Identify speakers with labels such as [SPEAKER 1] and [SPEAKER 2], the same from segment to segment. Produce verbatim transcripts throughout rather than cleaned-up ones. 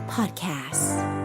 [SPEAKER 1] Podcast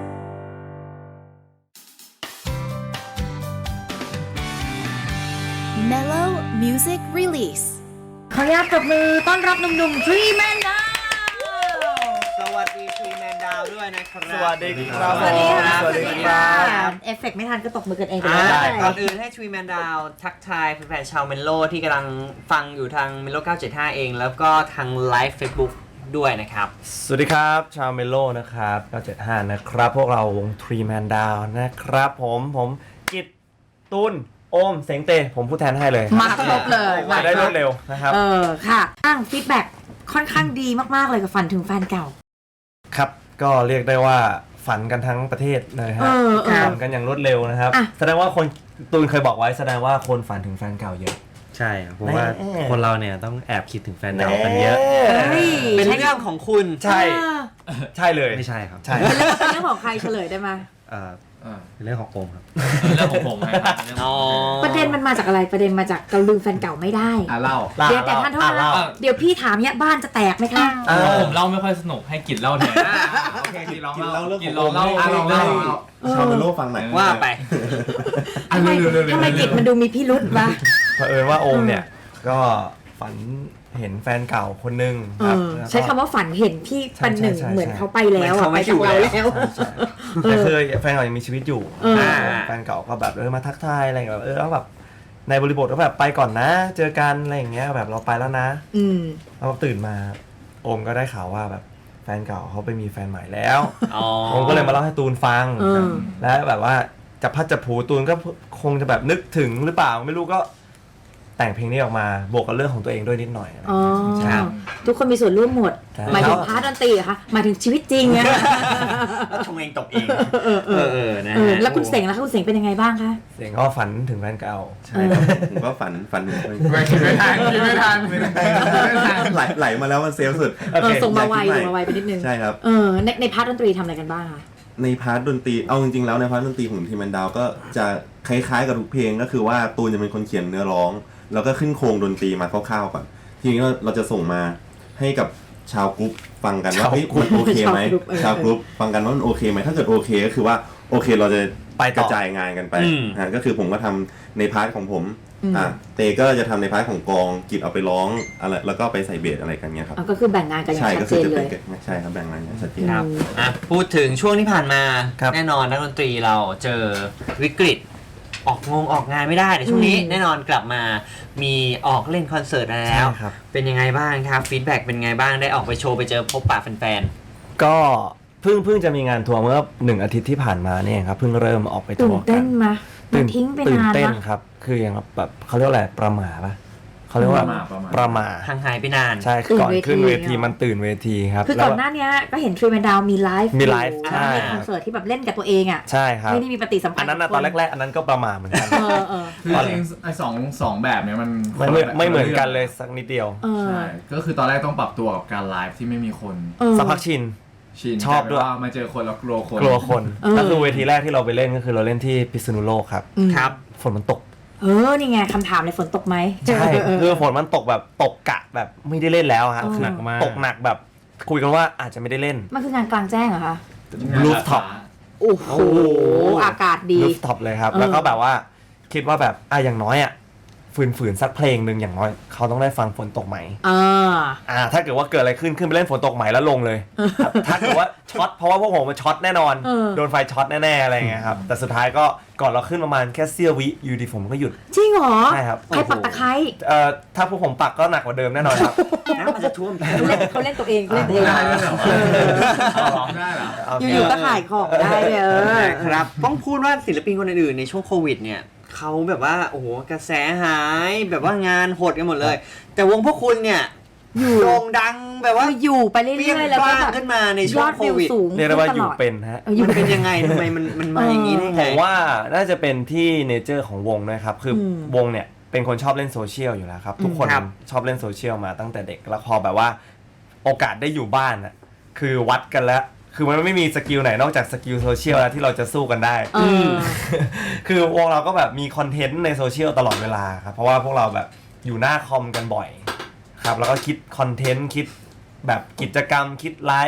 [SPEAKER 1] Mellow Music Release
[SPEAKER 2] ขออนุญาตปรบมือต้อนรับหนุ่มๆ Three Man Down
[SPEAKER 3] สวัสดี Three Man Down ด้วยนะครับ
[SPEAKER 4] สวัสดีครับ
[SPEAKER 2] สวัสดีค่ะ
[SPEAKER 4] สวัสดีครับ
[SPEAKER 2] เอฟเฟกต์ไม่ทันก็ตกมือกันเองไป
[SPEAKER 3] อ่า
[SPEAKER 2] เลย
[SPEAKER 3] ก่อนอื่นให้ Three Man Down ทักทายแฟนๆชาวเมโลที่กำลังฟังอยู่ทางเมโลเก้าเจ็ดห้าเองแล้วก็ทางไลฟ์ Facebook ด้วยนะครับ
[SPEAKER 4] สวัสดีครับชาวเมโลนะครับเก้าเจ็ดห้านะครับพวกเราวง Three Man Down นะครับผมผมกิตตุนโอมเสงเตผมพูดแทนให้เลย
[SPEAKER 2] มาครบเลย
[SPEAKER 4] มาได้รวดเร็วนะครับ
[SPEAKER 2] เออค่ะตั้งฟีดแบ็กค่อนข้างดีมากๆเลยกับฝันถึงแฟนเก่า
[SPEAKER 4] ครับก็เรียกได้ว่าฝันกันทั้งประเทศเลยฮะ
[SPEAKER 2] เออเออ
[SPEAKER 4] ฝันกันอย่างรวดเร็วนะครับ
[SPEAKER 2] อ่ะ
[SPEAKER 4] แสดงว่าคนตูนเคยบอกไว้แสดงว่าคนฝันถึงแฟนเก่าเยอะ
[SPEAKER 5] ใช่ครับผมว่า
[SPEAKER 4] แน่
[SPEAKER 5] คนเราเนี่ยต้องแอบคิดถึงแฟนเก่ากันเยอะ
[SPEAKER 2] เฮ้ย
[SPEAKER 3] เป็นเรื่องของคุณ
[SPEAKER 4] ใช่
[SPEAKER 2] เออ
[SPEAKER 4] ใช่เลย
[SPEAKER 5] ไม่ใช่ครับ
[SPEAKER 4] ใช่
[SPEAKER 2] เป็นเรื่องของใครเฉลยได้ไหม
[SPEAKER 5] เอ่อเป็นเรื่องของโอมครับ
[SPEAKER 6] เรื่องของผมนะครับ
[SPEAKER 3] อ๋อ
[SPEAKER 2] ประเด็นมันมาจากอะไรประเด็นมาจากเราลืมแฟนเก่าไม่ได้
[SPEAKER 6] อ่ะเล่า
[SPEAKER 2] เดี๋ยวแต่ท่านโทษนะเดี๋ยวพี่ถามเนี่ยบ้านจะแตกไหมคะ
[SPEAKER 4] เออ
[SPEAKER 6] ผมเล่าไม่ค่อยสนุกให้กินเล่าแทน
[SPEAKER 3] โอเค
[SPEAKER 6] กินลอง
[SPEAKER 7] กิน
[SPEAKER 6] เล่า
[SPEAKER 7] เล่าเรื่อง
[SPEAKER 6] กิน
[SPEAKER 7] ข
[SPEAKER 6] ล
[SPEAKER 7] อ
[SPEAKER 6] อง งเล่า
[SPEAKER 7] โอม
[SPEAKER 6] ลองเล่า
[SPEAKER 7] ชาวเมโลฟังหน่อย
[SPEAKER 3] ว่าไป
[SPEAKER 2] ทำไมทำไมกิจมันดูมีพิรุษวะ
[SPEAKER 4] เผอิญว่าโอมเนี่ยก็ฝันเห็นแฟนเก่าคนหนึง
[SPEAKER 2] เอ
[SPEAKER 4] ครับ
[SPEAKER 2] อ
[SPEAKER 4] แล้วก็
[SPEAKER 2] ใช้คำว่าฝันเห็นพี่ปันหนึ่ง
[SPEAKER 4] ใช่ใช่ใช่
[SPEAKER 2] เหมือนเขาไปแล้ว
[SPEAKER 3] เหมือนเขาไม่
[SPEAKER 2] ไปจากเรา
[SPEAKER 3] อยู่แล้ว
[SPEAKER 2] แล้ว
[SPEAKER 4] ใช่แต่คือแฟนเก่ายังมีชีวิตอยู่
[SPEAKER 2] เออ
[SPEAKER 4] แฟนเก่าก็แบบเออมาทักทายอะไรอย่างเงี้ยแบบเออแล้วแบบในบริบทก็แบบไปก่อนนะ เจอกันอะไรอย่างเงี้ยแบบเราไปแล้วนะ
[SPEAKER 2] อืม
[SPEAKER 4] แล้วตื่นมาโอมก็ได้ข่าวว่าแบบแฟนเก่าเขาไปมีแฟนใหม่แล้ว
[SPEAKER 3] อ๋อ
[SPEAKER 4] โอมก็เลยมาเล่าให้ตูนฟัง
[SPEAKER 2] เออ
[SPEAKER 4] แล้วแบบว่าจะพัดจะผูตูนก็คงจะแบบนึกถึงหรือเปล่าไม่รู้ก็แต่งเพลงนี้ออกมาบวกกับเรื่องของตัวเองด้วยนิดหน่อยอะไร
[SPEAKER 2] อ๋อ
[SPEAKER 4] อย่างเงี้ย
[SPEAKER 3] ครับ
[SPEAKER 2] ทุกคนมีส่วนร่วมหมด
[SPEAKER 4] ใช่
[SPEAKER 2] หมายถึงพาร์ทดนตรีเหรอคะหมายถึงชีวิตจริงอะ
[SPEAKER 3] แล้วชงเองตกเอง
[SPEAKER 2] เออเอ
[SPEAKER 3] เอ
[SPEAKER 2] อ
[SPEAKER 3] อเออนะ
[SPEAKER 2] เออ
[SPEAKER 3] ฮะ
[SPEAKER 2] แล้วคุณเสงล่ะคะคุณเสงเป็นยังไงบ้างคะ
[SPEAKER 4] เสียงก็ฝันถึงแฟนเก่า
[SPEAKER 7] ใช่ครับผมก็ฝันฝันถึง
[SPEAKER 6] ไม่ไม่ทันไม่ทันไม่ทัน
[SPEAKER 7] ไหลไหลมาแล้วมันเซฟสุด
[SPEAKER 4] โอ
[SPEAKER 2] เอ
[SPEAKER 4] เค
[SPEAKER 2] อส่งมาไว
[SPEAKER 7] อยากคิดใหม่
[SPEAKER 2] ส่งมาไวไปนิดนึง
[SPEAKER 7] ใช่ครับ
[SPEAKER 2] เออในในพาร์ทดนตรีทำอะไรกันบ้างคะ
[SPEAKER 7] ในพาร์ทดนตรีเอาจริงๆแล้วในพาร์ทดนตรีของทีมแมนดาวก็จะคล้ายๆกับทุกเพลงก็คือว่าตูนจะเป็นคนเขียนเนื้อร้อง แล้วก็ขึ้นโครงดนตรีมาคร่าวๆก่อนทีนี้เราจะส่งมาให้กับชาวกรุ๊ปฟังกันว่าเฮ้ยมันโอเคไหมชาวกรุ๊ปฟังกันว่ามันโอเคไหมถ้าเกิดโอเคก็คือว่าโอเคเราจะ
[SPEAKER 4] ไป
[SPEAKER 7] ก
[SPEAKER 4] ต่
[SPEAKER 7] ระ
[SPEAKER 4] อ
[SPEAKER 7] จายงานกันไป
[SPEAKER 3] อืม
[SPEAKER 7] อ่าก็คือผมก็ทำในพาร์ทของผมอ่าเตก็จะทำในพาร์ทของกองกิจเอาไปร้องอะไรแล้วก็ไปใส่เบสอะไรกันเนี้ยครับ
[SPEAKER 2] อ๋อก็คือแบ่งงานกันอย่าง
[SPEAKER 7] ใช่
[SPEAKER 2] ชั
[SPEAKER 7] ก็
[SPEAKER 2] ด
[SPEAKER 7] คื
[SPEAKER 2] เจ
[SPEAKER 7] อน จะ
[SPEAKER 2] เล
[SPEAKER 7] เป็น
[SPEAKER 2] ย
[SPEAKER 7] ใช่ครับแบ่งงานอย่างชัดเจน
[SPEAKER 3] ครับอ่ะพูดถึงช่วงที่ผ่านมา
[SPEAKER 4] ครับ
[SPEAKER 3] แน่นอนนักดนตรีเราเจอวิกฤต ออกงงออกงานไม่ได้แต่ช่วงนี้
[SPEAKER 2] อืม
[SPEAKER 3] แน่นอนกลับมามีออกเล่นคอนเสิร์ตอะไรแล้ว
[SPEAKER 4] ใช่ครับ
[SPEAKER 3] เป็นยังไงบ้างครับฟีดแบ็กเป็นไงบ้างได้ออกไปโชว์ไปเจอพบปะแฟน
[SPEAKER 4] ก็เพิ่งเพิ่งจะมีงานทัวร์เมื่อหนึ่งอาทิตย์ที่ผ่านมาเนี่ยครับเพิ่งเริ่มออกไปทั
[SPEAKER 2] ตื่
[SPEAKER 4] วน ร์กั
[SPEAKER 2] เต้น
[SPEAKER 4] น
[SPEAKER 2] มามั
[SPEAKER 4] ตื่
[SPEAKER 2] น
[SPEAKER 4] น
[SPEAKER 2] ทิ้งไป
[SPEAKER 4] ตื่น
[SPEAKER 2] นาน
[SPEAKER 4] เต้น
[SPEAKER 2] นะครับ
[SPEAKER 4] คืออย่างแบบเขาเรียกว่าอะไรประหม่าปะเขาเรียกว่า
[SPEAKER 6] ประหม่าประหม่า
[SPEAKER 4] ประหม่า
[SPEAKER 3] ๆห่างหายไปนาน
[SPEAKER 4] ใช่ก่อนขึ้นเวทีมันตื่นเวทีครับ
[SPEAKER 2] คือ
[SPEAKER 4] แล้
[SPEAKER 2] ก่
[SPEAKER 4] ว
[SPEAKER 2] อนหน้านี้ก็เห็นทรีแมนดาวมีไลฟ์
[SPEAKER 4] มีไลฟ์
[SPEAKER 2] อยู่
[SPEAKER 4] ใช่
[SPEAKER 2] มีคอนเสิร์ตที่แบบเล่นกับตัวเองอ่ะ
[SPEAKER 4] ใช่ครับ
[SPEAKER 2] ไม่ได้มีปฏิสัมพันธ์
[SPEAKER 4] อันนั้นนะตอนแรกๆอันนั้นก็ประหม่าเหมือนกัน
[SPEAKER 2] เออเออ
[SPEAKER 6] คือจริงๆไอ้สองสองแบบเนี้ยมัน
[SPEAKER 4] ไม่ไม่ไม่เหมือนกันเลยสักนิดเดียว
[SPEAKER 2] เออ
[SPEAKER 6] ใช่ก็คือตอนแรกต้องปรับตัวกับการไลฟ์ที่ไม่มีคน
[SPEAKER 2] เออ
[SPEAKER 4] สักพักชิน
[SPEAKER 6] ชิน
[SPEAKER 4] ชอบด้วย
[SPEAKER 6] แต่ว่ามาเจอคนแล้วกลัวคน
[SPEAKER 4] กลัวคน
[SPEAKER 2] เออ
[SPEAKER 4] ก็คือเวทีแรกที่เราไปเล่นก็คือเราเล่นที่พิษณุโลกครับ
[SPEAKER 2] อืม
[SPEAKER 3] ครับ
[SPEAKER 4] ฝนมันตก
[SPEAKER 2] เออนี่ไงคำถามเลยฝนตกไหม
[SPEAKER 4] ใช่
[SPEAKER 2] เออ
[SPEAKER 4] คือฝนมันตกแบบตกกะแบบไม่ได้เล่นแล้วฮะ
[SPEAKER 2] ตกหนัก
[SPEAKER 5] มาก
[SPEAKER 4] ตกหนักแบบคุยกันว่าอาจจะไม่ได้เล่น
[SPEAKER 2] มันคืองานกลางแจ้งเหรอคะ
[SPEAKER 4] Rooftop
[SPEAKER 2] โอ้โหอากาศดี
[SPEAKER 4] รูฟท็อปเลยครับ
[SPEAKER 2] เออ
[SPEAKER 4] แล้วก็แบบว่าคิดว่าแบบอ่ะอย่างน้อยอ่ะฝืนๆสักเพลงหนึ่งอย่างน้อยเขาต้องได้ฟังฝนตกไหม
[SPEAKER 2] อ่า
[SPEAKER 4] อ่าถ้าเกิดว่าเกิดอะไรขึ้นขึ้นไปเล่นฝนตกไหมแล้วลงเลย ถ้าเกิดว่าช็อตเพราะว่าพวกผมมันช็อตแน่นอน
[SPEAKER 2] เออ
[SPEAKER 4] โดนไฟช็อตแน่ๆอะไรเงี้ยครับแต่สุดท้ายก็ก่อนเราขึ้นประมาณแค่เสี้ยววิอยู่ดีผมก็หยุด
[SPEAKER 2] จริงเหรอ
[SPEAKER 4] ใช่ครับ
[SPEAKER 2] ใครปักตะไคร้
[SPEAKER 4] เอ่อถ้าพวกผมปักก็หนักกว่าเดิมแน่นอนครับ
[SPEAKER 3] น้ำมันจะท่วม
[SPEAKER 2] เขาเล่นเขาเล่นตัวเองเขาเล่นตัวเอง
[SPEAKER 6] ได้ด้วยเหรอ
[SPEAKER 2] เออ
[SPEAKER 6] เอาร้องได้เหรอ
[SPEAKER 2] อยู่ๆก็ขายของได้เลยเออ
[SPEAKER 3] ครับต้องพูดว่าศิลปินคนอื่นๆในช่วงโควิดเนี่ยเขาแบบว่าโอ้โหกระแสหายแบบว่างานหดกันหมดเลย แต่วงพวกคุณเนี่ย
[SPEAKER 2] อยู่
[SPEAKER 3] โด่งดังแบบว่า
[SPEAKER 2] คืออยู่ไปเรื่
[SPEAKER 3] เปรี้ยง
[SPEAKER 2] อยๆแล้ว
[SPEAKER 3] ป
[SPEAKER 2] ก็
[SPEAKER 3] ร้าง
[SPEAKER 2] แบบ
[SPEAKER 3] ขึ้นมาใน
[SPEAKER 2] ย
[SPEAKER 3] ช่ว
[SPEAKER 2] อง ด
[SPEAKER 3] โค
[SPEAKER 2] วิว
[SPEAKER 3] วิด
[SPEAKER 2] สูง
[SPEAKER 4] เรียกได้ว่า
[SPEAKER 2] ขึ้
[SPEAKER 4] อยู่
[SPEAKER 2] ตลด
[SPEAKER 4] เป็นฮะ
[SPEAKER 2] อออยู่
[SPEAKER 3] มันเป็นยังไงทำไมมันมันมาอย่างนี้ได้
[SPEAKER 4] ผ
[SPEAKER 3] ไง
[SPEAKER 4] มว่าน่าจะเป็นที่เนเจอร์ของวงด้วยครับ คืออ
[SPEAKER 2] ม
[SPEAKER 4] วงเนี่ยเป็นคนชอบเล่นโซเชียลอยู่แล้วครับ ทุกคน
[SPEAKER 3] ครับ
[SPEAKER 4] ชอบเล่นโซเชียลมาตั้งแต่เด็กแล้วพอแบบว่าโอกาสได้อยู่บ้านอ่ะคือวัดกันแล้ว คือมันไม่มีสกิลไหนนอกจากสกิลโซเชียลแล้วที่เราจะสู้กันได้
[SPEAKER 2] เออ
[SPEAKER 4] คือวงเราก็แบบมีคอนเทนต์ในโซเชียลตลอดเวลาครับเพราะว่าพวกเราแบบอยู่หน้าคอมกันบ่อยครับแล้วก็คิดคอนเทนต์คิดแบบกิจกรรมคิดไลฟ์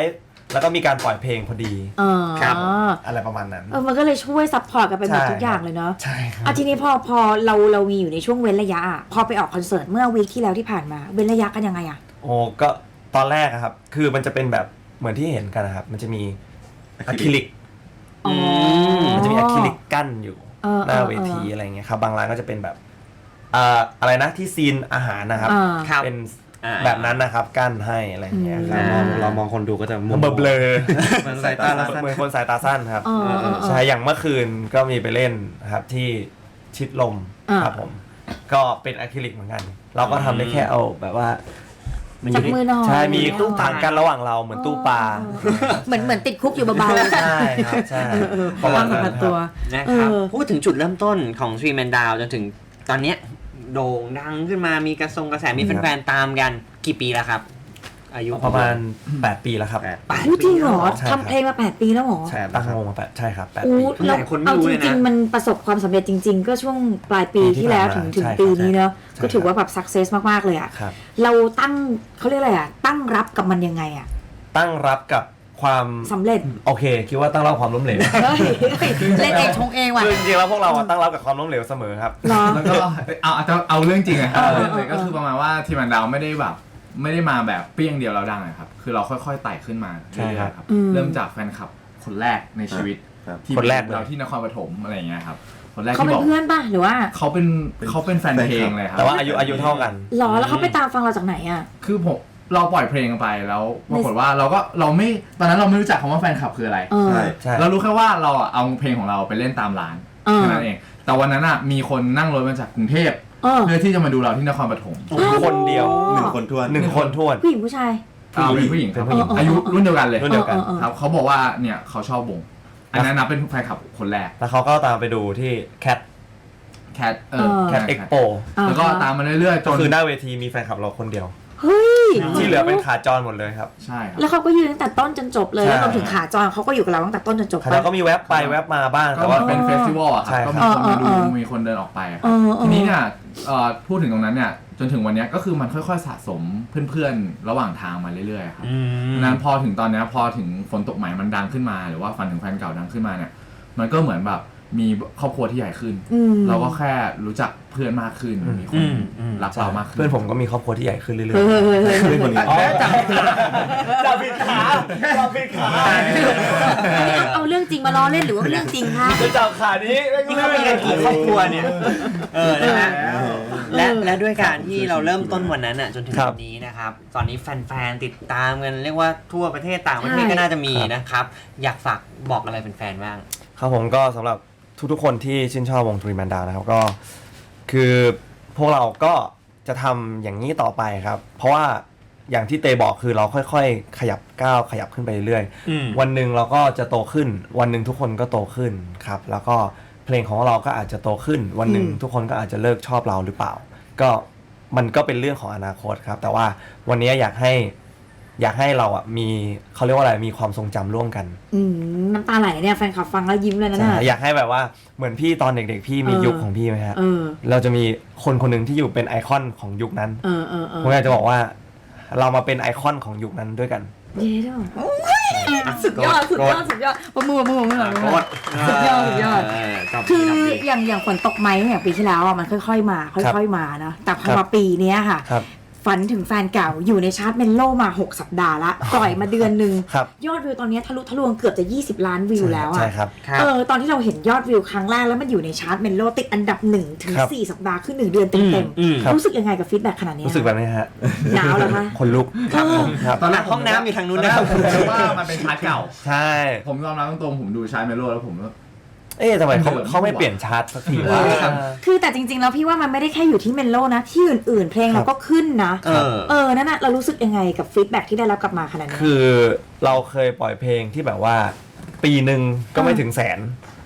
[SPEAKER 4] แล้วก็มีการปล่อยเพลงพอดี
[SPEAKER 2] เออ
[SPEAKER 3] ครับ
[SPEAKER 4] อะไรประมาณนั้น
[SPEAKER 2] เออมันก็เลยช่วยซัพพอร์ตกันไปหมด
[SPEAKER 4] ใช่
[SPEAKER 2] ทุกอย่างเลยเนาะ
[SPEAKER 4] ใช่ครับ
[SPEAKER 2] อ่ะทีนี้พอพอเราเรามีอยู่ในช่วงเว้นระยะอ่ะพอไปออกคอนเสิร์ตเมื่อวีคที่แล้วที่ผ่านมาเว้นระยะกันยังไงอ่ะ
[SPEAKER 4] โอ้ก็ตอนแรกอะครับคือมันจะเป็นแบบเหมือนที่เห็นกันนะครับมันจะมีอะคริลิก
[SPEAKER 2] อ๋อ
[SPEAKER 4] มันจะมีอะคริลิกกั้นอยู่
[SPEAKER 2] เออ
[SPEAKER 4] หน้า
[SPEAKER 2] เออ
[SPEAKER 4] เวที
[SPEAKER 2] เอออ
[SPEAKER 4] อะไรเงี้ยครับบางร้านก็จะเป็นแบบเอ่ออะไรนะที่ซีนอาหารนะครับ
[SPEAKER 2] อ่า
[SPEAKER 3] ครับ
[SPEAKER 4] เป็น
[SPEAKER 3] อ่า
[SPEAKER 4] แบบนั้นนะครับกั้นให้อะไรเงี้ยค
[SPEAKER 5] เรา
[SPEAKER 4] รับ
[SPEAKER 5] มองเรามองคนดูก็จะมัว
[SPEAKER 4] เบลอเบลอ
[SPEAKER 5] เหมือนสายตาเราสั้น
[SPEAKER 4] เหมือนคนสายตาสั้นครับ
[SPEAKER 2] เออเออเออ
[SPEAKER 4] ใช่อย่างเมื่อคืนก็มีไปเล่นครับที่ชิดลม
[SPEAKER 2] อ่า
[SPEAKER 4] ครับผมก็เป็นอะคริลิกเหมือนกัน เราก็ทำได้แค่เอาแบบว่า
[SPEAKER 5] มันอ
[SPEAKER 2] จั
[SPEAKER 5] ยู่
[SPEAKER 2] บ
[SPEAKER 5] ที่
[SPEAKER 2] มือหน่อย
[SPEAKER 4] ใช่มีตู้
[SPEAKER 2] เออ
[SPEAKER 4] ต่างกันระหว่างเราเหมือนตู้ปลา
[SPEAKER 2] เหมือนเหมือนติดคุกอยู่เบาๆ
[SPEAKER 4] ใช่ครับใช่
[SPEAKER 2] เออ
[SPEAKER 4] ประมาณ
[SPEAKER 2] สัม
[SPEAKER 4] นั้
[SPEAKER 2] ผัส
[SPEAKER 4] นค
[SPEAKER 2] ตั
[SPEAKER 4] รั
[SPEAKER 2] ว
[SPEAKER 4] บ
[SPEAKER 3] นะครับ
[SPEAKER 2] เออ
[SPEAKER 3] พูดถึงจุดเริ่มต้นของ Three Man Down จนถึงตอนเนี้ยโด่งดังขึ้นมามีกระทรงกระแสมีแฟนๆตามกันกี่ปีแล้วครับ อายุ
[SPEAKER 4] ประมาณแปดปีแล้วครับ
[SPEAKER 5] แปด
[SPEAKER 3] แปด
[SPEAKER 2] อู้จริงเหรอ
[SPEAKER 4] ใช่ครับ
[SPEAKER 2] ทำเพลงมาแปดปีแล้วเหรอ
[SPEAKER 4] ใช่ตั้งวงมาแปดใช่ครับแปด
[SPEAKER 2] อู้
[SPEAKER 4] ปี
[SPEAKER 2] เรา
[SPEAKER 3] หลายคนไม่
[SPEAKER 2] เอา
[SPEAKER 3] รู้
[SPEAKER 2] จ
[SPEAKER 3] เลยนะ
[SPEAKER 2] ริงๆมันประสบความสำเร็จจริง ๆ ก็ช่วงปลายปี
[SPEAKER 4] ปีที่
[SPEAKER 2] ที่แล้ว
[SPEAKER 4] ผ่าน
[SPEAKER 2] ถึง
[SPEAKER 4] มา
[SPEAKER 2] ถึง
[SPEAKER 4] ใช่
[SPEAKER 2] ปีนี้เนาะ
[SPEAKER 4] ใช่
[SPEAKER 2] ก็ถือว่าแบบสักเซสมากๆเลยอะ
[SPEAKER 4] ครับ
[SPEAKER 2] เราตั้งเขาเรียกอะไรอะตั้งรับกับมันยังไงอะ
[SPEAKER 4] ตั้งรับกับความ
[SPEAKER 2] สำเร็จ
[SPEAKER 4] โอเคคิดว่าตั้งรับความล้มเหลว
[SPEAKER 2] เฮ้ยเฮ้ยเล่นเองชงเองว่ะ
[SPEAKER 4] คือจริงๆแล้วพวกเราอะตั้งรับกับความล้มเหลวเสมอครับ
[SPEAKER 2] เนาะ
[SPEAKER 6] แล้วก็เอาเอาเอาเอาเรื่องจริงเลยครับ
[SPEAKER 2] เออ
[SPEAKER 6] เรื่องเลย
[SPEAKER 2] เออ
[SPEAKER 6] ก็คือประมาณว่าทีมอันดาวไม่ได้แบบไม่ได้มาแบบเปรี้ยงเดียวแล้วดังเลยครับ คือเราค่อยๆไต่ขึ้นมาเรื่อยๆครับ
[SPEAKER 2] อืม
[SPEAKER 6] เริ่มจากแฟนคลับคนแรกในชีวิต
[SPEAKER 7] ครับ
[SPEAKER 6] ที่
[SPEAKER 4] คนแรกเลย
[SPEAKER 6] เราที่นครปฐมอะไรอย่างเงี้ยครับคนแรก
[SPEAKER 2] เขา
[SPEAKER 6] ที่
[SPEAKER 2] เป็น
[SPEAKER 6] บอก
[SPEAKER 2] เพื่อนป่ะหรือว่า
[SPEAKER 6] เขาเป็นเขาเป็นแฟนเพลงเลยครับ
[SPEAKER 4] แต่ว่าอายุอายุเท่ากัน
[SPEAKER 2] หรอแล้วเขาไปตามฟังเราจากไหนอะ
[SPEAKER 6] คือผมเราปล่อยเพลงกันไปแล้วปรากฏว่าเราก็เราไม่ตอนนั้นเราไม่รู้จักคำว่าแฟนคลับคืออะไร
[SPEAKER 2] เออ
[SPEAKER 7] ใช่
[SPEAKER 4] ใช่
[SPEAKER 6] เรารู้แค่ว่าเราอะเอาเพลงของเราไปเล่นตามร้าน
[SPEAKER 2] เออ
[SPEAKER 6] แค่นั้นเอง แต่วันนั้นอะมีคนนั่งรถมาจากกรุงเทพ
[SPEAKER 2] เออ
[SPEAKER 6] เพื่อที่จะมาดูเราที่นครปฐม
[SPEAKER 4] คนเดียว
[SPEAKER 7] หนึ่งคนทวน
[SPEAKER 4] หนึ่งคนท้วน
[SPEAKER 2] ผู้หญิงผู้ชาย
[SPEAKER 6] อ่าเป็นผู้หญิงครับ
[SPEAKER 4] เป็นผู้หญิง
[SPEAKER 6] อายุรุ่นเดียวกันเลย
[SPEAKER 4] รุ่นเดียวกัน
[SPEAKER 2] เออเออเออ
[SPEAKER 6] ครับเขาบอกว่าเนี่ยเขาชอบวง อันนั้นนับเป็นแฟนคลับคนแรก
[SPEAKER 4] แล้วเขาก็ตามไปดูที่แคท
[SPEAKER 6] แคทเออ
[SPEAKER 4] แคทเอ็กโป
[SPEAKER 6] แล้วก็ตามมาเรื่อยๆจ
[SPEAKER 4] ก็
[SPEAKER 6] น
[SPEAKER 4] คือหน้าเวทีมีแฟนคลับเราคนเดียว
[SPEAKER 2] เฮ้ย
[SPEAKER 4] ที่เหลือเป็นขาจรหมดเลยครับ
[SPEAKER 6] ใช่ครับ
[SPEAKER 2] แล้วเขาก็ยืนตั้งแต่ต้นจนจบเลย
[SPEAKER 4] ใช่
[SPEAKER 2] แล้วรวมถึงขาจรเขาก็อยู่กับเราตั้งแต่ต้นจนจบ
[SPEAKER 4] แล้วก็มีแวบไปแวบมาบ้าง
[SPEAKER 6] ก็
[SPEAKER 4] แต่ว่า
[SPEAKER 6] เป็นเฟสติวัลอะค
[SPEAKER 4] ใช่
[SPEAKER 6] รับ
[SPEAKER 4] ค
[SPEAKER 6] ก็
[SPEAKER 4] รับ
[SPEAKER 6] มีคนมาดู
[SPEAKER 2] เออเออเออ
[SPEAKER 6] มีคนเดินออกไปอะค
[SPEAKER 2] เอ
[SPEAKER 6] รับ
[SPEAKER 2] อเออ
[SPEAKER 6] ทีนี้เนี่ยเอ่อพูดถึงตรงนั้นเนี่ยจนถึงวันเนี้ยก็คือมันค่อยๆสะสมเพื่อนๆระหว่างทางมาเรื่อยๆครับ ดังนั้นพอถึงตอนเนี้ยพอถึงฝนตกใหม่มันดังขึ้นมา หรือว่าฝันถึงแฟนเก่าดังขึ้นมาเนี่ยมันก็เหมือนแบบมีครอบครัวที่ใหญ่ขึ้น
[SPEAKER 2] อืม
[SPEAKER 6] เราก็แค่รู้จักเพื่อนมากขึ้นมีคน
[SPEAKER 3] อืมอืม
[SPEAKER 6] รักเรามากขึ้น
[SPEAKER 4] เพื่อนผมก็มีครอบครัวที่ใหญ่ขึ้นเรื่อย
[SPEAKER 2] เฮ้ยเฮ้ยเฮ้ยเฮ้ย
[SPEAKER 7] เพื่อนคนนี้
[SPEAKER 4] ๆอ๋อจับจับผิดขาจับผิดขา
[SPEAKER 2] เอาเอาเรื่องจริงมาล้อเล่นหรือว่าเรื่องจริงคะ
[SPEAKER 4] จะจับขานี้
[SPEAKER 3] นี่เขามีกันกี่ครอบครัวเนี่ย เออ นะฮะ และและด้วยการที่เราเริ่มต้นวันนั้นอ่ะจนถึงวันนี้นะครับ ตอนนี้แฟนๆติดตามกันเรียกว่าทั่วประเทศต่างประเทศก็น่าจะมีนะครับ อยากฝากบอกอะไรแฟนๆบ้าง
[SPEAKER 4] ครับผมก็สำหรับทุกๆคนที่ชื่นชอบวง Three Man Down นะครับก็คือพวกเราก็จะทำอย่างนี้ต่อไปครับ เพราะว่าอย่างที่เตบอกคือเราค่อยๆ ขยับก้าวขยับขึ้นไปเรื่อย
[SPEAKER 3] อืม
[SPEAKER 4] วันหนึ่งเราก็จะโตขึ้น วันหนึ่งทุกคนก็โตขึ้นครับแล้วก็เพลงของเราก็อาจจะโตขึ้น วันหนึ่งทุกคนก็อาจจะเลิกชอบเราหรือเปล่า ก็มันก็เป็นเรื่องของอนาคตครับ แต่ว่าวันนี้อยากให้อยากให้เราอ่ะมีเขาเรียกว่าอะไรมีความทรงจำร่วมกัน
[SPEAKER 2] อืมน้ำตาไหลเนี่ยแฟนคลับฟังแล้วยิ้มเลยนะเนี่ย
[SPEAKER 4] ใช่อยากให้แบบว่าเหมือนพี่ตอนเด็กๆ พี่มี
[SPEAKER 2] เออ
[SPEAKER 4] ยุคของพี่ไหมฮะ
[SPEAKER 2] เออ
[SPEAKER 4] เราจะมีคนคนหนึ่งที่อยู่เป็นไอคอนของยุคนั้น
[SPEAKER 2] เออเออเออ
[SPEAKER 4] ผมอยากจะบอกว่าเรามาเป็นไอคอนของยุคนั้นด้วยกัน
[SPEAKER 2] เย้ด้วยสุดยอดสุดยอดสุดยอดประมือประมือประมือประมือ สุดยอดสุดยอด
[SPEAKER 3] เจับ
[SPEAKER 2] คื
[SPEAKER 3] ดี
[SPEAKER 2] อ
[SPEAKER 3] จับดี
[SPEAKER 2] อย่างอย่างฝนตกไหมเนี่ยปีที่แล้วอ่ะมันค่อยๆมา
[SPEAKER 4] ครับ
[SPEAKER 2] ค่อยๆมานะแต่พอ
[SPEAKER 4] ครั
[SPEAKER 2] มา
[SPEAKER 4] บ
[SPEAKER 2] ปีเนี้ยค่ะ
[SPEAKER 4] ครับ
[SPEAKER 2] ฝันถึงแฟนเก่าอยู่ในชาร์ตเมนโลมาหกสัปดาห์ละปล่อยมาเดือนหนึ่ง
[SPEAKER 4] ครับ
[SPEAKER 2] ยอดวิวตอนนี้ทะลุทะลวงเกือบจะยี่สิบล้านวิวแล้ว
[SPEAKER 4] ใช่
[SPEAKER 2] อ่ะ
[SPEAKER 4] ครับ
[SPEAKER 3] ครับ
[SPEAKER 2] เออตอนที่เราเห็นยอดวิวครั้งแรกแล้วมันอยู่ในชาร์ตเมนโลติดอันดับหนึ่งถึง
[SPEAKER 4] ครับ
[SPEAKER 2] สี่สัปดาห์ขึ้นหนึ่งเดือนเต็ม
[SPEAKER 3] อืม
[SPEAKER 2] ๆรู้สึกยังไงกับฟีดแบ็กขนาดเนี้ย
[SPEAKER 4] รู้สึกแบบนี้ฮะ
[SPEAKER 2] หนาวเหรอคะ
[SPEAKER 4] คนลุก
[SPEAKER 2] ครับผม
[SPEAKER 4] ครับ
[SPEAKER 6] ตอนแรก
[SPEAKER 3] ห้องน้ำอยู่ทางนู้น
[SPEAKER 6] ตอนแร
[SPEAKER 3] นะ
[SPEAKER 6] กผมคิดว่ามันเป็นชาร์ตเก่า
[SPEAKER 4] ใช่
[SPEAKER 6] ผมยอมรับตรงๆผมดูชาร์ตเมโลแล้วผมก็
[SPEAKER 4] เอ๊ะทำไมเขา
[SPEAKER 6] เดิม
[SPEAKER 4] เขาไม่เปลี่ยนชาร์ตสักที
[SPEAKER 6] เอ
[SPEAKER 4] วะ
[SPEAKER 6] อ
[SPEAKER 2] คือแต่จริงๆแล้วพี่ว่ามันไม่ได้แค่อยู่ที่เมนโลนะที่อื่นๆ เพลงเราก็ขึ้นนะ
[SPEAKER 3] เออ
[SPEAKER 2] เออนั่นน่ะเรารู้สึกยังไงกับฟีดแบ็กที่ได้รับกลับมาขนาดนี้
[SPEAKER 4] คือเราเคยปล่อยเพลงที่แบบว่า ปีหนึ่งก็ไม่ถึงแสน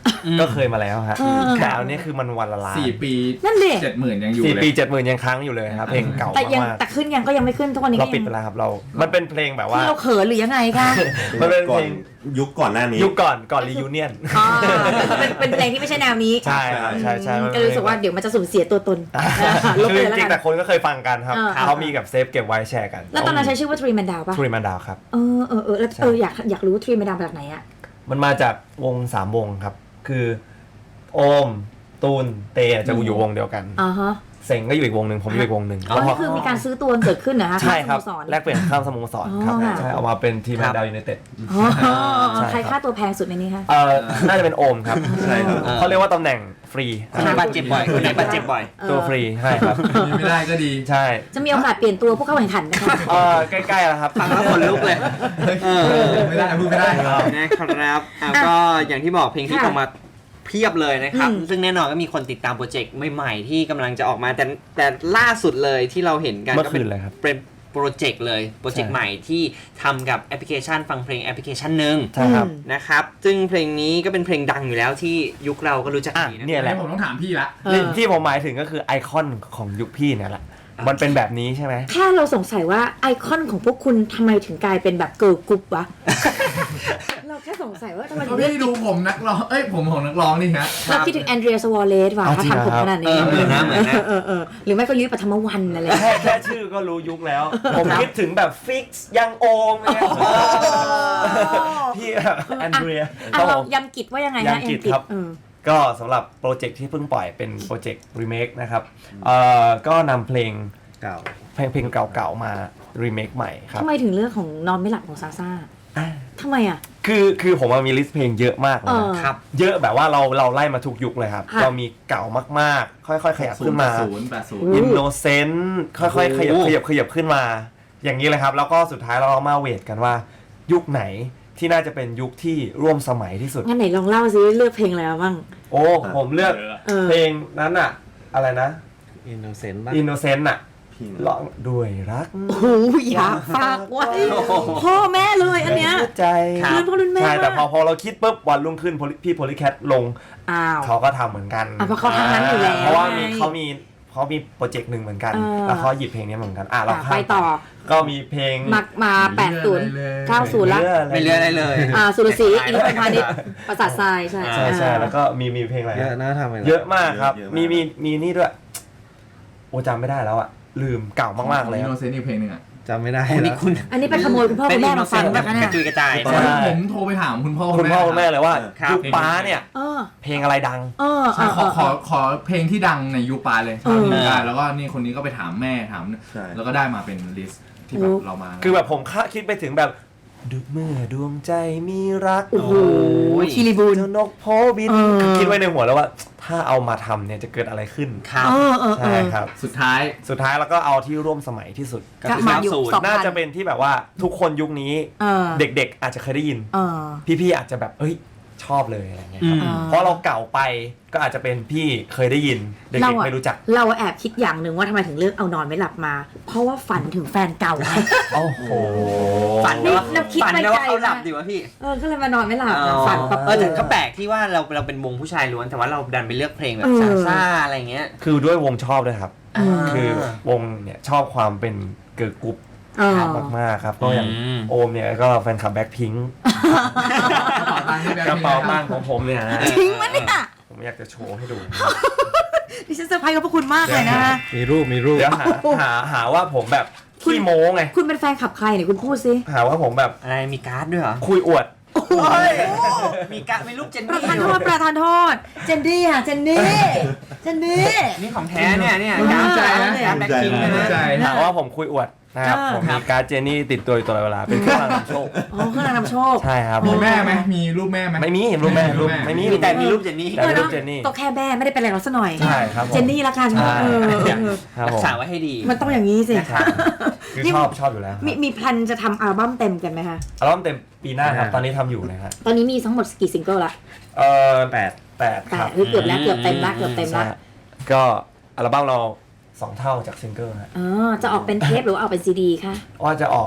[SPEAKER 4] ก็เคยมาแล้วฮะ
[SPEAKER 2] เออ
[SPEAKER 4] แต่อันนี้คือมันวันละล้าน
[SPEAKER 6] สี่ปี
[SPEAKER 2] นั่นดิ
[SPEAKER 6] เจ็ดหมื่นยังอยู่
[SPEAKER 4] สี่
[SPEAKER 6] เลย
[SPEAKER 4] ปีเจ็ดหมื่นยังค้างอยู่เลยครับเพลงเก่า
[SPEAKER 2] แต่ยัง
[SPEAKER 4] มาก
[SPEAKER 2] แต่ขึ้นยังก็ยังไม่ขึ้นทุกวันนี้
[SPEAKER 4] ๆเรา
[SPEAKER 2] ก็
[SPEAKER 4] ปิด
[SPEAKER 2] ยัง
[SPEAKER 4] ไปแล้วครับเรา มันเป็นเพลงแบบว่า
[SPEAKER 2] ที่เราเขินหรือยังไงคะ
[SPEAKER 4] มันเป็น
[SPEAKER 7] ก่อ
[SPEAKER 4] เพ
[SPEAKER 7] น
[SPEAKER 4] ลง
[SPEAKER 7] ยุคก่อนหน้านี้
[SPEAKER 4] ยุคก่อนก่อนรียูเนียน
[SPEAKER 2] อ๋อเป็นเป็นเพลงที่ไม่ใช่แนวนี้
[SPEAKER 4] ใช่ครับใช่ใช่
[SPEAKER 2] ก็รู้สึกว่าเดี๋ยวมันจะสูญเสียตัวตนลบ
[SPEAKER 4] คื
[SPEAKER 2] ไป
[SPEAKER 4] อ
[SPEAKER 2] เลย
[SPEAKER 4] จริงๆ
[SPEAKER 2] แล้วกั
[SPEAKER 4] แต่
[SPEAKER 2] น
[SPEAKER 4] คนก็เคยฟังกันครับ
[SPEAKER 2] เออ
[SPEAKER 4] เขามีกับเซฟเก็บไว้แชร์กัน
[SPEAKER 2] แล้วตอนนั้นใช้ชื่อว่าทรีแมนดาวป่ะ
[SPEAKER 4] ทรีมันดาวครับ
[SPEAKER 2] เออเออเออแล้วเอออยากอยากรู้ว่าทรีแมนดาวมาจากไหนอะ
[SPEAKER 4] มันมาจากวงสามวงครับ คือโอมตูนเตจะอยู่วงเดียวกัน
[SPEAKER 2] อ่าฮะ
[SPEAKER 4] เซ็งก็อยู่อีกวงหนึ่งผมอยู่อีกวงหนึ่ง
[SPEAKER 2] อ๋อนี่คือมีการซื้อตัวเกิดขึ้นนะคะ
[SPEAKER 4] ใช่ครับ
[SPEAKER 2] สโมสร
[SPEAKER 4] แลกเปลี่ยนข้ามสโมสรครับ
[SPEAKER 2] อ๋อค่ะ
[SPEAKER 4] ใช่เอามาเป็นทีมแมนดาวยูไนเต็ด
[SPEAKER 2] อ๋อ
[SPEAKER 4] ใช่ครับ
[SPEAKER 2] ใครค่าตัวแพงสุดในนี้คะ
[SPEAKER 4] เอ่อน่าจะเป็นโอมครับ
[SPEAKER 7] ใช่ครับ
[SPEAKER 4] เขาเรียกว่าตำแหน่งฟรี
[SPEAKER 3] คนไหนบาดเจ็บบ่อยคนไหนบาดเจ็บบ่อย
[SPEAKER 4] ตัวฟรีใช่ครับ
[SPEAKER 6] มีไม่ได้ก็ดี
[SPEAKER 4] ใช่
[SPEAKER 2] จะมีโอกาสเปลี่ยนตัวผู้เข้าแข่งขันไหมคะ
[SPEAKER 4] เออใกล้ๆแล้วครับ
[SPEAKER 3] ฟังแล้วขนลุกเลย เออ
[SPEAKER 6] ไม่ได้พูดไม่ได้
[SPEAKER 3] นะครับอ่ะก็อย่างที่บอกเพลงที่
[SPEAKER 2] ค่ะ
[SPEAKER 3] ออกมาเพียบเลยนะครับ
[SPEAKER 2] อืม
[SPEAKER 3] ซึ่งแน่นอนก็มีคนติดตามโปรเจกต์ใหม่ๆที่กำลังจะออกมาแต่แต่ล่าสุดเลยที่เราเห็นกัน
[SPEAKER 4] เมื่อ
[SPEAKER 3] ก็
[SPEAKER 4] คื
[SPEAKER 3] เป็น
[SPEAKER 4] นเลยครับ
[SPEAKER 3] เป็นโปรเจกต์เลยโปรเจกต์
[SPEAKER 4] ใช่
[SPEAKER 3] ใหม่ที่ทำกับแอปพลิเคชันฟังเพลงแอปพลิเคชันหนึ่ง
[SPEAKER 4] ใช่ครับ
[SPEAKER 2] อืม
[SPEAKER 3] นะครับซึ่งเพลงนี้ก็เป็นเพลงดังอยู่แล้วที่ยุคเราก็รู้จัก
[SPEAKER 4] อ่ะ
[SPEAKER 3] ดีนะ
[SPEAKER 4] เนี่ยแหละ
[SPEAKER 6] ผมต้องถามพี่ละ
[SPEAKER 2] เออ
[SPEAKER 4] ที่ผมหมายถึงก็คือไอคอนของยุคพี่เนี่ยแหละ มันเป็นแบบนี้ใช่ไหม
[SPEAKER 2] แค่เราสงสัยว่าไอคอนของพวกคุณทำไมถึงกลายเป็นแบบเกิร์ลกรุ๊ปวะ เราแค่สงสัยว่าทำไมถึ
[SPEAKER 6] เขา
[SPEAKER 2] งเลือก
[SPEAKER 6] พี่ดูผมนักร้อง เอ้ยผมของนักร้องนี่ฮะ
[SPEAKER 2] เราคิดถึงแอนเดรียสวอลเลสว่ะ
[SPEAKER 4] เอา
[SPEAKER 2] เขา
[SPEAKER 4] จริง
[SPEAKER 2] ทำผม
[SPEAKER 4] เหรอครับ
[SPEAKER 2] ขนาด
[SPEAKER 3] เอ
[SPEAKER 2] นี้
[SPEAKER 3] อเหมือนนะเหมือนนะ
[SPEAKER 2] เออเออหรือไม่ก็ยุ้ยปฐมวันอะไรอย่าง
[SPEAKER 4] แค่
[SPEAKER 2] เงี้ย
[SPEAKER 4] แค่ชื่อก็รู้ยุคแล้ว ผมคิดถึงแบบฟิกซ์ยังโอมเนี่ยพี่แบบแอนเดรีย
[SPEAKER 2] อ่ะ
[SPEAKER 4] ครับผ
[SPEAKER 2] เรา
[SPEAKER 4] ม
[SPEAKER 2] ยำกิจว่ายังไงนะ
[SPEAKER 4] ยำกิจครับ
[SPEAKER 2] เออ
[SPEAKER 4] ก็สำหรับโปรเจกต์ที่เพิ่งปล่อยเป็นโปรเจกต์รีเมคนะครับเอ่อก็นำเพลง
[SPEAKER 5] เก่า
[SPEAKER 4] เพลงเพลงเก่าๆมารีเมคใหม่ครับ
[SPEAKER 2] ทำไมถึงเลือกของนอนไม่หลับของซาซ่า
[SPEAKER 4] อ่ะ
[SPEAKER 2] ทำไมอ่ะ
[SPEAKER 4] คือคือผมว่ามีลิสต์เพลงเยอะมากเลย
[SPEAKER 2] เออ
[SPEAKER 4] นะครับ เยอะแบบว่าเราเราไล่มาทุกยุคเลยครับ
[SPEAKER 2] ค่ะ
[SPEAKER 4] เรามีเก่ามากๆ ค่อยๆ ขยับขึ้นมา
[SPEAKER 6] ศูนย์แปดศูนย์
[SPEAKER 4] อินโนเซนต์ค่อยๆ ขยับ
[SPEAKER 3] โอ้
[SPEAKER 4] ขยับขยับขึ้นมา อย่างนี้เลยครับ แล้วก็สุดท้ายเรามาเวทกันว่า ยุคไหนที่น่าจะเป็นยุคที่ร่วมสมัยที่สุด
[SPEAKER 2] งั้นไหนลองเล่าซิเลือกเพลงอะไรมาบ้าง
[SPEAKER 4] โอ้ผมเลือก
[SPEAKER 2] เออ
[SPEAKER 4] เพลงนั้นอะอะไรนะ
[SPEAKER 5] อินโนเซนต์บ้าง
[SPEAKER 4] อินโนเซนต์อะ
[SPEAKER 7] พิง
[SPEAKER 4] ร้องด้วยรัก
[SPEAKER 2] โอ้โหอยากฝากไว้พ่อแม่เลยอันเนี้ย
[SPEAKER 4] หัวใจ
[SPEAKER 2] รุ่นพ่อรุ่นแม่
[SPEAKER 4] ใช่แต่พอ
[SPEAKER 2] มาก
[SPEAKER 4] พอเราคิดปุ๊บวันรุ่งขึ้น Poly- พี่โพลิแคทลง
[SPEAKER 2] อ้าว
[SPEAKER 4] เขาก็ทำเหมือนกัน
[SPEAKER 2] อ่ะเพราะเขาทำนั้นอยู่แล้ว
[SPEAKER 4] เพราะว่ามี
[SPEAKER 2] ไง
[SPEAKER 4] เขามีเขามีโปรเจกต์หนึ่งเหมือนกัน
[SPEAKER 2] เออ
[SPEAKER 4] แล้วเขาหยิบเพลงนี้เหมือนกันอ่ะเรา
[SPEAKER 2] อ่ะ
[SPEAKER 4] ข้าม
[SPEAKER 2] ไปต่อ
[SPEAKER 4] ก็มีเพลง
[SPEAKER 2] มามาแปดศูนย์เก้าศูนย์ละ
[SPEAKER 3] ไม่เลือกได้เลย
[SPEAKER 2] อ่าสุรศรีอินทรพานิชประสาททรายใช่
[SPEAKER 4] ใช่ใช่
[SPEAKER 2] อ่า
[SPEAKER 4] แล้วก็มีมีเพลงอะไร
[SPEAKER 5] เยอะ
[SPEAKER 4] นะ
[SPEAKER 5] น่าทำไป
[SPEAKER 4] เยอะมากครับ
[SPEAKER 7] เยอะมาก
[SPEAKER 4] มีมีมีนี่ด้วย โอ้จำไม่ได้แล้วอะลืมเก่ามากๆเลย
[SPEAKER 6] อิน
[SPEAKER 4] ค
[SPEAKER 6] โน
[SPEAKER 4] รับ
[SPEAKER 6] เซนต์อีกเพลงหนึ่งอ่ะ
[SPEAKER 5] จำไม่ได้
[SPEAKER 3] โอ้นี่
[SPEAKER 5] แล้ว
[SPEAKER 3] คุณ
[SPEAKER 2] อันนี้ไปขโมยคุณพ่อคุณแม่มาฟังแบบนั้น
[SPEAKER 3] กระ
[SPEAKER 2] น่ะ
[SPEAKER 3] จุยกระจาย
[SPEAKER 6] ตอนนั้นผมโทรไปถามคุณพ่อ
[SPEAKER 4] คุณพ่อคุณแม่เลยว่า
[SPEAKER 3] ครับ
[SPEAKER 4] ยุคป้าเนี่ย
[SPEAKER 2] เออ
[SPEAKER 4] เพลงอะไรดัง
[SPEAKER 2] เออ
[SPEAKER 6] ใช่ขอขอขอเพลงที่ดังในยุคปาเลย
[SPEAKER 2] เออ
[SPEAKER 6] ที่ได้แล้วก็นี่คนนี้ก็ไปถามแม่ถาม
[SPEAKER 7] ใช่
[SPEAKER 6] แล้วก็ได้มาเป็นลิสต์ที่แบบ
[SPEAKER 2] โอ้
[SPEAKER 6] เรามา
[SPEAKER 4] คือแบบผมคาดคิดไปถึงแบบดึกเมื่อดวงใจมีรัก
[SPEAKER 2] โอ้โหคีรีบูน
[SPEAKER 4] เจ้านกโพบิน
[SPEAKER 2] เออ
[SPEAKER 4] คือคิดไว้ในหัวแล้วว่า ถ้าเอามาทำเนี่ยจะเกิดอะไรขึ้น
[SPEAKER 3] ครับ
[SPEAKER 2] เออเออเอ
[SPEAKER 4] ใช่
[SPEAKER 2] อ
[SPEAKER 4] ครับ
[SPEAKER 6] สุดท้าย
[SPEAKER 4] สุดท้ายแล้วก็เอาที่ร่วมสมัยที่สุด
[SPEAKER 3] ก็
[SPEAKER 2] ก็
[SPEAKER 3] คือ
[SPEAKER 2] มาอยู่
[SPEAKER 3] เก้าศูนย์
[SPEAKER 2] สองพัน
[SPEAKER 4] น่าจะเป็นที่แบบว่าทุกคนยุคนี้
[SPEAKER 2] เออ
[SPEAKER 4] เด็กๆ อาจจะเคยได้ยิน
[SPEAKER 2] เออ
[SPEAKER 4] พี่ๆอาจจะแบบเอ้ยชอบเลยอะไรเงี้ยครับ
[SPEAKER 3] อืม
[SPEAKER 4] เพราะเราเก่าไปก็อาจจะเป็นพี่เคยได้ยิน เด็
[SPEAKER 2] เรา
[SPEAKER 4] กๆ
[SPEAKER 2] อะ
[SPEAKER 4] ไม่รู้จัก
[SPEAKER 2] เราแอบคิดอย่างหนึ่งว่าทำไมถึงเลือกเอานอนไม่หลับมา เพราะว่าฝันถึงแฟนเก่าไง
[SPEAKER 4] โอ้โห
[SPEAKER 3] ฝันนะว่า
[SPEAKER 2] นี่เราคิด
[SPEAKER 3] ฝัน
[SPEAKER 2] ไป
[SPEAKER 3] นะว่า
[SPEAKER 2] ไกล
[SPEAKER 3] เขาหลับ
[SPEAKER 2] มาก
[SPEAKER 3] ดีวะพี่
[SPEAKER 2] เออก็เลยมานอนไม่หลับนะฝันแบบ
[SPEAKER 3] เออแต่ก็แปลกที่ว่าเราเราเป็นวงผู้ชายล้วนแต่ว่าเราดันไปเลือกเพลงแบบ
[SPEAKER 2] เออ
[SPEAKER 3] ซาซ่าอะไรเงี้ย
[SPEAKER 4] คือด้วยวงชอบด้วยครับ
[SPEAKER 2] อ่า
[SPEAKER 4] คือวงเนี่ยชอบความเป็นเกิร์ลกรุ๊ป
[SPEAKER 2] เออ
[SPEAKER 4] มากๆครับก็อย่าง
[SPEAKER 3] อืม
[SPEAKER 4] โอมเนี่ยก็แฟนคลับแบ็คพิงค์
[SPEAKER 6] ก
[SPEAKER 4] ก
[SPEAKER 6] ระ
[SPEAKER 4] ระ
[SPEAKER 6] เป๋า
[SPEAKER 4] เป๋า
[SPEAKER 6] ตั
[SPEAKER 4] ตั
[SPEAKER 6] ง
[SPEAKER 4] ง
[SPEAKER 6] ค์
[SPEAKER 4] ค์ของผมเนี่ยฮะ
[SPEAKER 2] จริงมะเนี่ย
[SPEAKER 4] ผมอยากจะโชว์ให้ดู
[SPEAKER 2] ดิฉันเซอร์ไพรส์กับพวกคุณมากเลยนะ
[SPEAKER 5] มีรูปมีรูป
[SPEAKER 4] เดี๋ยวหาหาหาว่าผมแบบขี้โม้ไง
[SPEAKER 2] คุณเป็นแฟนขับใครเนี่ยคุณพูดสิ
[SPEAKER 4] หาว่าผมแบบ
[SPEAKER 3] อะไรมีการ์ดด้วยเหรอ
[SPEAKER 4] คุยอวด
[SPEAKER 3] มีการ์ดมีรูปเจน
[SPEAKER 2] ประ
[SPEAKER 3] นี่
[SPEAKER 2] ธาน
[SPEAKER 3] อ
[SPEAKER 2] โท
[SPEAKER 3] ยู่
[SPEAKER 2] ษประธานโทษ เจนดี้อ่ะเจนดี้เจนดี้
[SPEAKER 3] นี่ของแท้เนี่ยเนี่ย
[SPEAKER 2] ภู
[SPEAKER 3] การ์
[SPEAKER 2] มิ
[SPEAKER 3] ด
[SPEAKER 2] ใจ
[SPEAKER 3] การ์ด
[SPEAKER 2] นะ
[SPEAKER 3] การ์ดแบ็คพิงค์
[SPEAKER 6] ภูมิใจ
[SPEAKER 3] นะ
[SPEAKER 4] หาว่าผมคุยอวดนะครับ
[SPEAKER 2] เออ
[SPEAKER 4] ผมมีการ์ดเจนี่ติดตัวอยู่ตลอดเวลาเป็นเครื่องรางนำโชค
[SPEAKER 2] อ๋อเครื่องรางนำโชค
[SPEAKER 4] ใช่ครับ
[SPEAKER 6] มีแม่ไหมมีรูปแม่ไหม
[SPEAKER 4] ไม่มีรูปแม่รูปไม่มี
[SPEAKER 3] มีแต่มีรูปเจนนี่
[SPEAKER 4] แต่เป็นรูปเจนนี่
[SPEAKER 2] ตัวแค่แม่ไม่ได้เป็นอะไรหรอกซะหน่อย
[SPEAKER 4] ใช่ครับผม
[SPEAKER 2] เจนนี่ละกัน
[SPEAKER 4] ใช่
[SPEAKER 2] เออเออเออ
[SPEAKER 4] ครับ
[SPEAKER 3] รั
[SPEAKER 4] ผ
[SPEAKER 3] ก
[SPEAKER 4] ม
[SPEAKER 3] ษาไว้ให้ดี
[SPEAKER 2] มันต้องอย่างนี้สิ
[SPEAKER 4] ครับคือชอบชอบอยู่แล้วครับ
[SPEAKER 2] มีมีแพลนจะทำอัลบั้มเต็มกันไหมคะ
[SPEAKER 4] อัลบั้มเต็มปีหน้าครับตอนนี้ทำอยู่นะฮะ
[SPEAKER 2] ตอนนี้มีทั้งหมดกี่ซิงเกิลละ
[SPEAKER 4] เออแปดแปด
[SPEAKER 2] แต่
[SPEAKER 4] ครับ
[SPEAKER 2] คือเกือบแล้วเกือบเต็มละเกือบเต็มละ
[SPEAKER 4] ใช่ก็อัลบั้มเราสองเท่าจากซิงเกิลฮะ
[SPEAKER 2] อ๋อจะออกเป็นเทปหรือว่าออกเป็นซีดีคะ
[SPEAKER 4] ว่าจะออก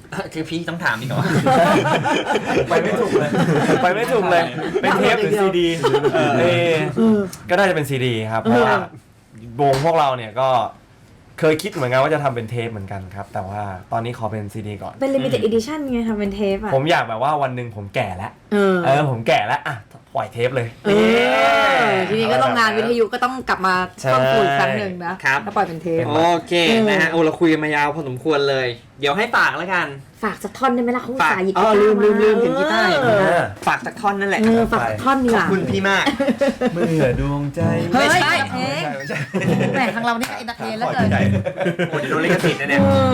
[SPEAKER 3] คือพี่ต้องถามอีกเหรอ
[SPEAKER 4] ไปไม่ถูกเลย ไปไม่ถูกเลย เป็นเทปหรือซีดีเออก็น่าจะเป็นซีดีครับเพราะว่าวงพวกเราเนี่ยก็เคยคิดเหมือนกันว่าจะทำเป็นเทปเหมือนกันครับ แต่ว่าตอนนี้ขอเป็นซีดีก่อน
[SPEAKER 2] เป็น limited edition ไงทำเป็นเทปอ่ะ
[SPEAKER 4] ผมอยากแบบว่าวันหนึ่งผมแก่แล้ว
[SPEAKER 2] เออ
[SPEAKER 4] เออผมแก่แล้วอ่ะปล่อยเทปเลย
[SPEAKER 2] เออทีนี้ก็ต้องงานวิทยุก็ต้องกลับมา
[SPEAKER 4] ใช่
[SPEAKER 2] ต้องคุยครั้งหนึ่งนะครับ แล้วปล่อยเป็นเทป
[SPEAKER 3] โอเคนะฮะโอ้เราคุยกันมายาวพอสมควรเลย เดี๋ยวให้ฝากแล้วกัน
[SPEAKER 2] ฝากสักท่อนได้ไหมล่ะเขาอุต
[SPEAKER 3] ฝาก
[SPEAKER 2] ส่าห์หยิบ
[SPEAKER 3] อ๋อ
[SPEAKER 2] กีตาร์
[SPEAKER 3] ลืมลืมลืม
[SPEAKER 2] า
[SPEAKER 3] เห็นกีตาร์
[SPEAKER 2] เออ
[SPEAKER 3] ฝากสักท่อนนั่นแหละ
[SPEAKER 2] เออฝากสักท่อนดีก
[SPEAKER 3] ขอบ
[SPEAKER 2] ว่า
[SPEAKER 3] คุณพี่มาก
[SPEAKER 4] เมื่อดวงใจ
[SPEAKER 2] เฮ้ย
[SPEAKER 8] ไม่ใช่
[SPEAKER 2] เพลง
[SPEAKER 4] ไม่ใช่
[SPEAKER 8] แหมทางเรานี่เอนเตอร์เทนแล้ว
[SPEAKER 4] ขอ
[SPEAKER 8] เกิน
[SPEAKER 4] ใจ
[SPEAKER 3] โอ้เดี๋ยวโดนลิขสิทธิ์นะเนี่ย
[SPEAKER 2] เออ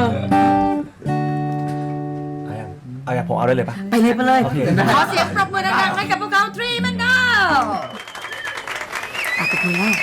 [SPEAKER 4] เอาอย่างเอาอย่างผมเอาได้เลยปะ
[SPEAKER 2] ไปเลยไปเลย
[SPEAKER 4] โอเค
[SPEAKER 8] ขอเสียงปรบมือดังๆให้กับพวกเขาทรีแมนดาว
[SPEAKER 2] อ่ะไปคุยแล้ว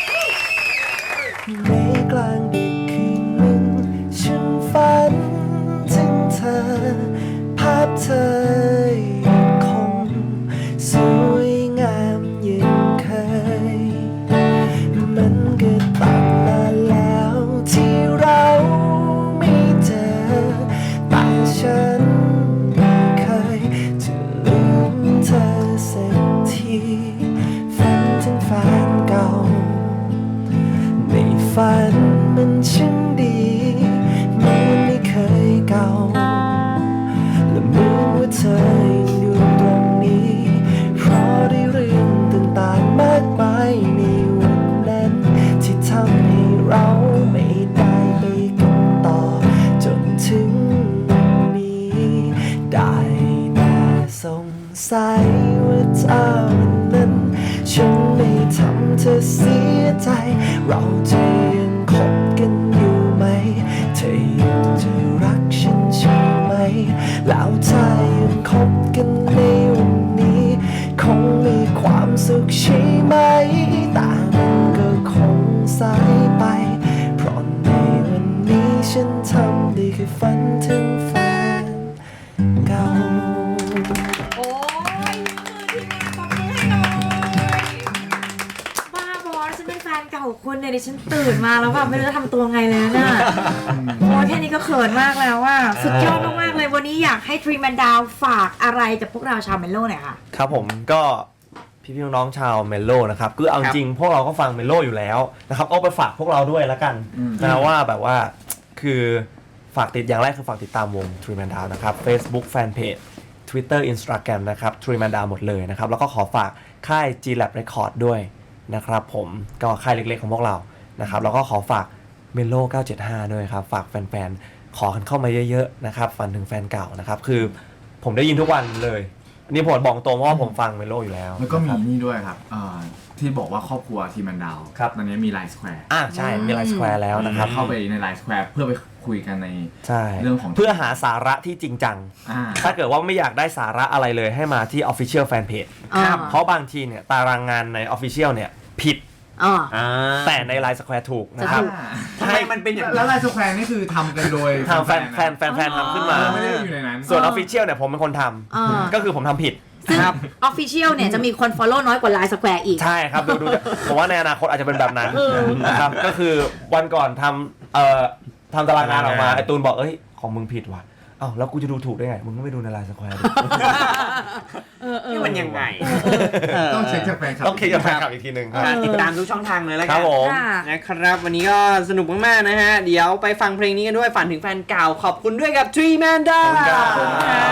[SPEAKER 9] ในกลางดึกคืนหนึ่งฉันฝันถึงเธอ ภาพเธอยังคงสวยงามยังเคย มันก็ตั้งนานแล้วที่เราไม่เจอ แต่ฉันไม่เคยจะลืมเธอสักทีฝันถึงแฟนเก่า ในฝันมันช่างดีเหมือนไม่เคยเก่า และเหมือนว่าเธอยังอยู่ตรงนี้ เพราะได้เรื่องต่างๆมากมายในวันนั้น ที่ทำให้เราไม่ได้ไปกันต่อ จนถึงวันนี้ ได้แต่สงสัยว่าถ้าวันนั้นฉันไม่ทำเธอเสียใจ เราจะยังคบกันอยู่ไหม เธอยังจะรักฉันใช่ไหม แล้วถ้ายังคบกันในวันนี้ คงมีความสุขใช่ไหม แต่มันก็คงสายไป เพราะในวันนี้ฉันทำได้แค่ฝันถึงแฟนเก่า
[SPEAKER 2] โอ้ยมือทีมงานปรบมือให้หน่อยบ้าบอฉันเป็นแฟนเก่าคุณเนี่ยดิฉันตื่นมาแล้วแบบไม่รู้จะทำตัวไงเลยนะเนี่ยโอ้ยแค่นี้ก็เขินมากแล้วว่าสุดยอดมากๆเลยวันนี้อยากให้ทรีแมนดาวฝากอะไรกับพวกเราชาวเมโลหน่อยค่ะ
[SPEAKER 4] ครับผมก็พี่พี่น้องๆชาวเมโลนะครับคือเอาจริงพวกเราก็ฟังเมโลอยู่แล้วนะครับเอาไปฝากพวกเราด้วยแล้วกันนะว่าแบบว่าคือฝากติดอย่างแรกคือฝากติดตามวง Tree Man Down นะครับ Facebook Fanpage Twitter Instagram นะครับ Tree Man Down หมดเลยนะครับแล้วก็ขอฝากค่าย G-Lab Record ด้วยนะครับผมก็ค่ายเล็กๆของพวกเรานะครับแล้วก็ขอฝากเมโลเก้าเจ็ดห้าด้วยครับฝากแฟนๆขอกันเข้ามาเยอะๆนะครับฝันถึงแฟนเก่านะครับคือผมได้ยินทุกวันเลยอันนี้ผมบอกตรงเพราะว่าผมฟังเมโลอยู่แล้ว
[SPEAKER 6] แล้วก็มี
[SPEAKER 4] นะครับ
[SPEAKER 6] นี่ด้วยครับอ่าที่บอกว่าครอบครัวทีมันดาว
[SPEAKER 4] ครับ
[SPEAKER 6] ตอนนี้มีไลน์สแควร์
[SPEAKER 4] อ่าใช่มีไลน์สแควร์แล้วนะครับ
[SPEAKER 6] เข้าไปในไลน์สแควร์เพื่อไปคุยกันใน
[SPEAKER 4] ใช่
[SPEAKER 6] เรื่องของ
[SPEAKER 4] เพื่อหาสาระที่จริงจัง
[SPEAKER 6] อ่า
[SPEAKER 4] ถ้าเกิดว่าไม่อยากได้สาระอะไรเลยให้มาที่ Official Fanpage
[SPEAKER 2] ครับ
[SPEAKER 4] เพราะบางทีเนี่ยตารางงานใน Official เนี่ยผิด
[SPEAKER 2] อ๋อ
[SPEAKER 3] อ่า
[SPEAKER 4] แต่ใน Line Square ถูกนะครับ
[SPEAKER 3] ทำไมมันเป็นอย่าง
[SPEAKER 6] แล้
[SPEAKER 3] นั้
[SPEAKER 6] วน ไลน์สแควร์นี่คือทำกันโดย
[SPEAKER 4] ทางแฟนแฟนแฟนแฟนทำขึ้นมา
[SPEAKER 6] เราไม่ได้อยู่ในนั้น
[SPEAKER 4] ส่วน Official เนี่ยผมเป็นคนท
[SPEAKER 2] อ่า
[SPEAKER 4] ำก็คือผมทำผิด
[SPEAKER 2] ซึ่ง Official เนี่ยจะมีคน follow น้อยกว่า Line Square อีก
[SPEAKER 4] ใช่ครับดูดูผมว่าในอนาคตอาจจะเป็นแบบนั้นนะครับก็คือวันก่อนทำเอ่อทำตารางงานออกมาไอตูนบอกเอ้ยของมึงผิดว่ะอ้าวแล้วกูจะดูถูกได้ไงมึงก็ไปดูใน Line Square ดิ
[SPEAKER 3] นี่มันยังไง
[SPEAKER 6] ต้องเช็คจากแฟนคลับ
[SPEAKER 4] ต้องเคลียร์กับแฟนคลับอีกทีหนึ่งครับ
[SPEAKER 3] อ่าติดตามทุกช่องทางเลยแล้ว
[SPEAKER 4] ค
[SPEAKER 3] กั
[SPEAKER 4] รับผม
[SPEAKER 2] ค่ะ
[SPEAKER 3] นะครับวันนี้ก็สนุกมากๆนะฮะ เดี๋ยวไปฟังเพลงนี้กันด้วยฝันถึงแฟนเก่าขอบคุณด้วยกับ Tree Man Down
[SPEAKER 4] ขอบคุณครับ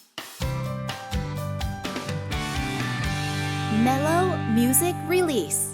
[SPEAKER 1] Mellow Music Release.